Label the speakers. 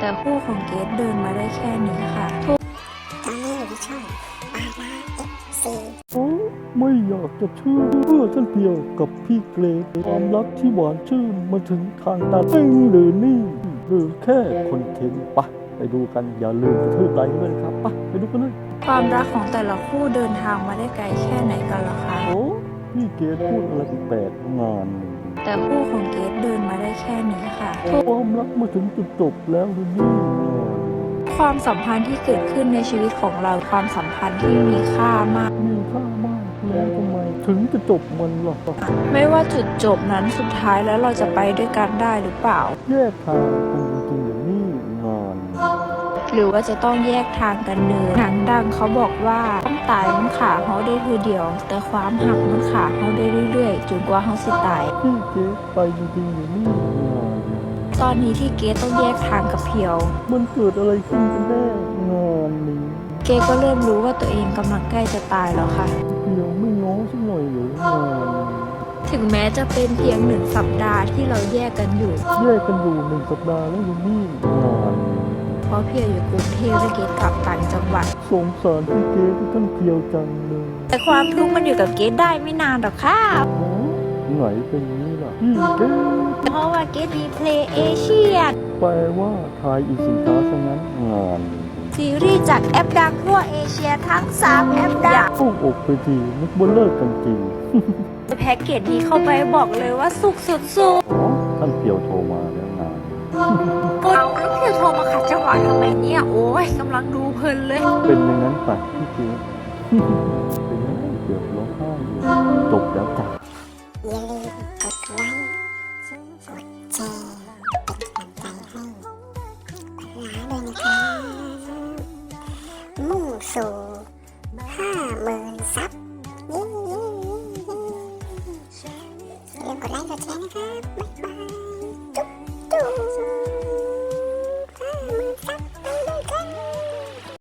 Speaker 1: แต่คู่ของเกดเดินมาได้แค่นี้ค่ะ
Speaker 2: ตอนนี้อยู่ที่ช่องปาราFC
Speaker 3: โอ้ไม่อยากจะเชื่อเมื่อท่านเพียวกับพี่เกรดความรักที่หวานชื่นมาถึงทางตันจริงหรือนี่หรือแค่คอนเทนต์ปะไปดูกันอย่าลืมกระทืบไลค์ด้วยนะครับปะไปดูกันเลย
Speaker 1: ความรักของแต่ละคู่เดินทางมาได้ไกลแค่ไหนกันล่ะคะ
Speaker 3: โอ้พี่เกรดพูดอะไรแปลกๆงานหนึ่ง
Speaker 1: แต่คู่ของเกดเดินมาได้แค่นี้ค่ะ
Speaker 3: ความรักมาถึงจุดจบแล้วหรือนี่งาน
Speaker 1: ความสัมพันธ์ที่เกิดขึ้นในชีวิตของเราความสัมพันธ์ที่มีค่ามาก
Speaker 3: มีค่ามากแล้วทำไมถึงจะจบมันล่ะ
Speaker 1: ไม่ว่าจุดจบนั้นสุดท้ายแล้วเราจะไปด้วยกันได้หรือเปล่า
Speaker 3: แยกทางกันจริงๆหรือนี่งาน
Speaker 1: หรือว่าจะต้องแยกทางกันเนินหนังดังเขาบอกว่าต้องตายมันขาเขาได้ทีเดียว แต่ความหักมันขาเขาได้เรื่อยๆจนกว่าเขาสิตาย
Speaker 3: พี่เกรดไปจริงๆหรือนี่งาน
Speaker 1: ตอนนี้ที่เกดต้องแยกทางกับเพียว
Speaker 3: มันเกิดอะไรขึ้นกันแน่งานนี้
Speaker 1: เกดก็เริ่มรู้ว่าตัวเองกำลังใกล้จะตายแล้วค่ะ
Speaker 3: เดี๋ยวไม่ง้อสักหน่อยหรืองาน
Speaker 1: ถึงแม้จะเป็นเพียง1 สัปดาห์ที่เราแยกกันอยู่
Speaker 3: แยกกันอยู่1 สัปดาห์แล้วยังนี่งาน
Speaker 1: เพราะเพียวอยู่กรุงเทพและเกดกลับต่างจังหวัด
Speaker 3: สงสารพี่เกรดที่ท่านเพียวจังเลย
Speaker 1: แต่ความทุกข์มันอยู่กับเกดได้ไม่นานหรอกค่ะ
Speaker 3: อ๋อไหนเป็นนี้ล่ะพี่เกรด
Speaker 1: เพราะว่าเกดมีเพลย์เอเชีย
Speaker 3: แปลว่าทายอีกสินค้าซะงั้นงาน
Speaker 1: ซีรีส์จากแอปดังทั่วเอเชียทั้ง3แอปดัง
Speaker 3: โอ้อกไปทีนึกว่าเลิกกันจริง
Speaker 1: แพ็กเกจนี้เข้าไปบอกเลยว่าสุกสุด
Speaker 3: อ๋อท่านเพียวโทรมาแล้วงาน
Speaker 1: ๆเอาแล้วพี่โทรมาขัดจังหวะทำไมเนี่ย โอ้ยกำลังดูเพลินเลย
Speaker 3: เป็นอย่างนั้นไปพี่เกรด เป็นยังไงเกือบร้องไห้เลยจบแล้วจ้ะ
Speaker 2: อย่าลืมกดไลค์กดแชร์เป็นกำลังใจให้ปาราด้วยนะครับมุ่งสู่50,000 ซับเย้อย่าลืมกดไลค์กดแชร์นะครับบ๊ายบาย